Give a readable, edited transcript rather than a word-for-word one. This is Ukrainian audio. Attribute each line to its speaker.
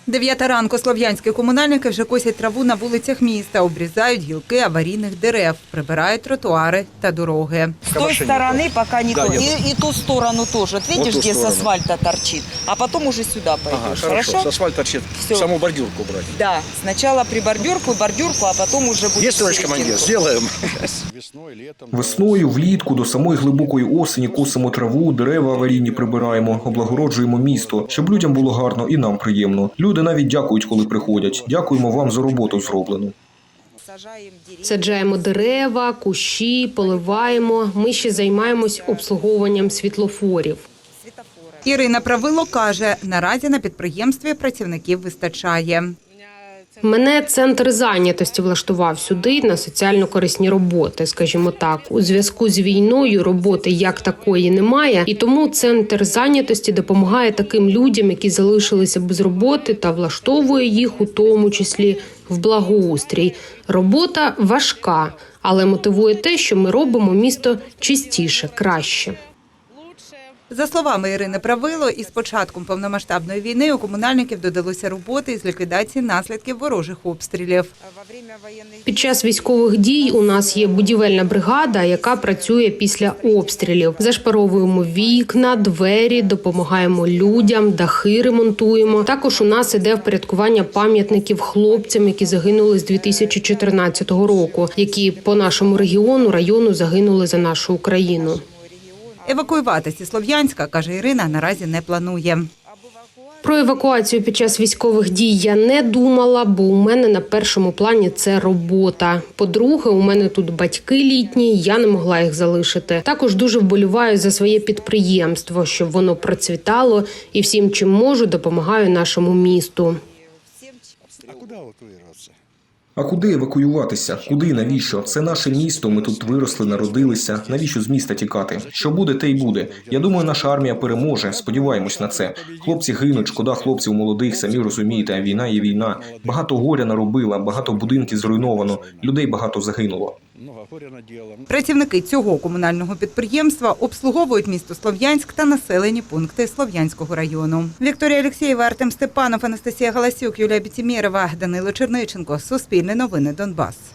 Speaker 1: 9 ранку слов'янські комунальники вже косять траву на вулицях міста, обрізають гілки аварійних дерев, прибирають тротуари та дороги.
Speaker 2: С той стороны пока не
Speaker 3: Да,
Speaker 2: то.
Speaker 3: нет.
Speaker 2: И ту сторону тоже. Вот видишь,
Speaker 3: ту
Speaker 2: где с
Speaker 3: сторону.
Speaker 2: асфальта торчит. А потом уже сюда пойдешь.
Speaker 3: Ага, хорошо. С асфальта торчит.
Speaker 2: Всё.
Speaker 3: Саму бордюрку брать.
Speaker 2: Да. Сначала при бордюрку, а потом уже будет...
Speaker 3: Есть, товарищ командир? Сделаем.
Speaker 4: Весною, влітку, до самої глибокої осені косимо траву, дерева аварійні прибираємо, облагороджуємо місто, щоб людям було гарно і нам приємно. Люди навіть дякують, коли приходять. Дякуємо вам за роботу зроблену.
Speaker 5: Саджаємо дерева, кущі, поливаємо. Ми ще займаємось обслуговуванням світлофорів.
Speaker 1: Ірина Правило каже, наразі на підприємстві працівників вистачає.
Speaker 5: Мене центр зайнятості влаштував сюди на соціально-корисні роботи, скажімо так. У зв'язку з війною роботи як такої немає, і тому центр зайнятості допомагає таким людям, які залишилися без роботи, та влаштовує їх у тому числі в благоустрій. Робота важка, але мотивує те, що ми робимо місто чистіше, краще.
Speaker 1: За словами Ірини Правило, із початком повномасштабної війни у комунальників додалося роботи із ліквідації наслідків ворожих обстрілів.
Speaker 5: Під час військових дій у нас є будівельна бригада, яка працює після обстрілів. Зашпаровуємо вікна, двері, допомагаємо людям, дахи ремонтуємо. Також у нас іде впорядкування пам'ятників хлопцям, які загинули з 2014 року, які по нашому району загинули за нашу Україну.
Speaker 1: Евакуюватися з Слов'янська, каже Ірина, наразі не планує.
Speaker 5: Про евакуацію під час військових дій я не думала, бо у мене на першому плані це робота. По-друге, у мене тут батьки літні, я не могла їх залишити. Також дуже вболіваю за своє підприємство, щоб воно процвітало, і всім, чим можу, допомагаю нашому місту.
Speaker 4: А куди евакуюватися? Куди? Навіщо? Це наше місто, ми тут виросли, народилися. Навіщо з міста тікати? Що буде, те й буде. Я думаю, наша армія переможе, сподіваємось на це. Хлопці гинуть, шкода хлопців молодих, самі розумієте, а війна є війна. Багато горя наробила, багато будинків зруйновано, людей багато загинуло.
Speaker 1: Працівники цього комунального підприємства обслуговують місто Слов'янськ та населені пункти Слов'янського району. Вікторія Алєксєєва, Артем Степанов, Анастасія Галасюк, Юлія Бітімєрова, Данило Черниченко. Суспільне новини Донбас.